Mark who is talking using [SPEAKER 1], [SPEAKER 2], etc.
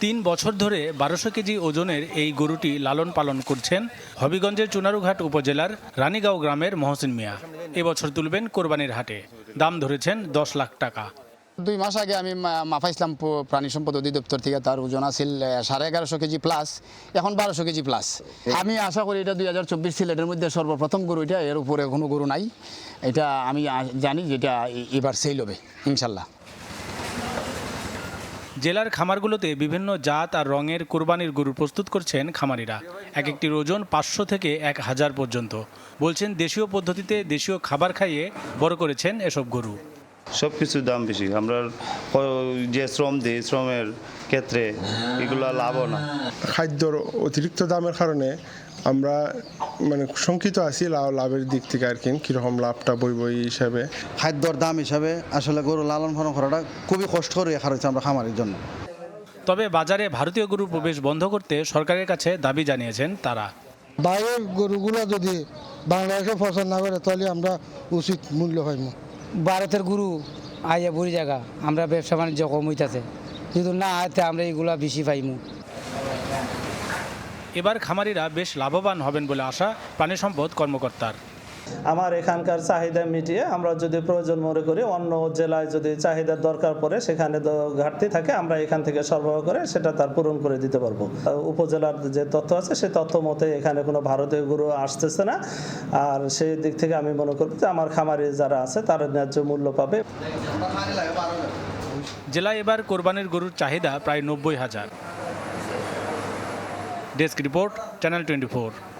[SPEAKER 1] 3 বছর ধরে 1200 কেজি ওজনের এই গরুটি লালন পালন করছেন হবিগঞ্জের চুনারুঘাট উপজেলার রানীগাঁও গ্রামের মহসিন মিয়া। এবছর তুলবেন কোরবানির হাটে। দাম ধরেছেন 10 লাখ টাকা।
[SPEAKER 2] 2 মাস আগে আমি মাফাইছিলাম প্রাণী সম্পদ অধিদপ্তর থেকে, তার ওজন আছিল 1150 কেজি প্লাস, এখন 1200 কেজি প্লাস। আমি আশা করি এটা 2024 সিলেটের মধ্যে সর্বপ্রথম গরু, এটা এর উপরে কোনো গরু নাই। এটা আমি জানি যে এটা এবার সেল হবে ইনশাল্লাহ।
[SPEAKER 1] জেলার খামারগুলোতে বিভিন্ন জাত আর রঙের কোরবানির গরু প্রস্তুত করছেন খামারিরা। এক একটির ওজন 500 থেকে 1000 পর্যন্ত। বলছেন দেশীয় পদ্ধতিতে দেশীয় খাবার খাইয়ে বড় করেছেন এসব গরু।
[SPEAKER 3] সব কিছুর দাম বেশি। আমরা যে শ্রম দিই, শ্রমের ক্ষেত্রে এগুলো লাভও না।
[SPEAKER 4] খাদ্যর অতিরিক্ত দামের কারণে আমরা শঙ্কিত আছি লাভের দিক থেকে আর কি, কীরকম লাভটা বই হিসাবে।
[SPEAKER 5] খাদ্যর দাম হিসাবে আসলে গরু লালন পালন করাটা খুবই কষ্টকর রাখা হয়েছে আমরা খামারের জন্য।
[SPEAKER 1] তবে বাজারে ভারতীয় গরু প্রবেশ বন্ধ করতে সরকারের কাছে দাবি জানিয়েছেন তারা।
[SPEAKER 6] বাইরের গরুগুলো যদি বাংলাদেশে পছন্দ না করে তাহলে আমরা উচিত মূল্য পাইব।
[SPEAKER 7] ভারতের গরু আইয়া বুড়ি জায়গা, আমরা ব্যবসা বাণিজ্য কম হইতেছে, যদি না আয়তে আমরা এইগুলা বেশি পাইমু।
[SPEAKER 1] এবার খামারিরা বেশ লাভবান হবেন বলে আশা প্রাণী সম্পদ কর্মকর্তার।
[SPEAKER 8] আমার এখানকার চাহিদা মিটিয়ে আমরা যদি প্রয়োজন মনে করি অন্য জেলায় যদি চাহিদার দরকার পড়ে, সেখানে ঘাটতি থাকে, আমরা এখান থেকে সরবরাহ করে সেটা তার পূরণ করে দিতে পারবো। উপজেলার যে তথ্য আছে সেই তথ্য মতে এখানে কোনো ভারতীয় গরু আসতেছে না। আর সেই দিক থেকে আমি মনে করি যে আমার খামারি যারা আছে তারা ন্যায্য মূল্য পাবে।
[SPEAKER 1] জেলায় এবার কোরবানির গরুর চাহিদা প্রায় 90,000। Desk report, channel 24।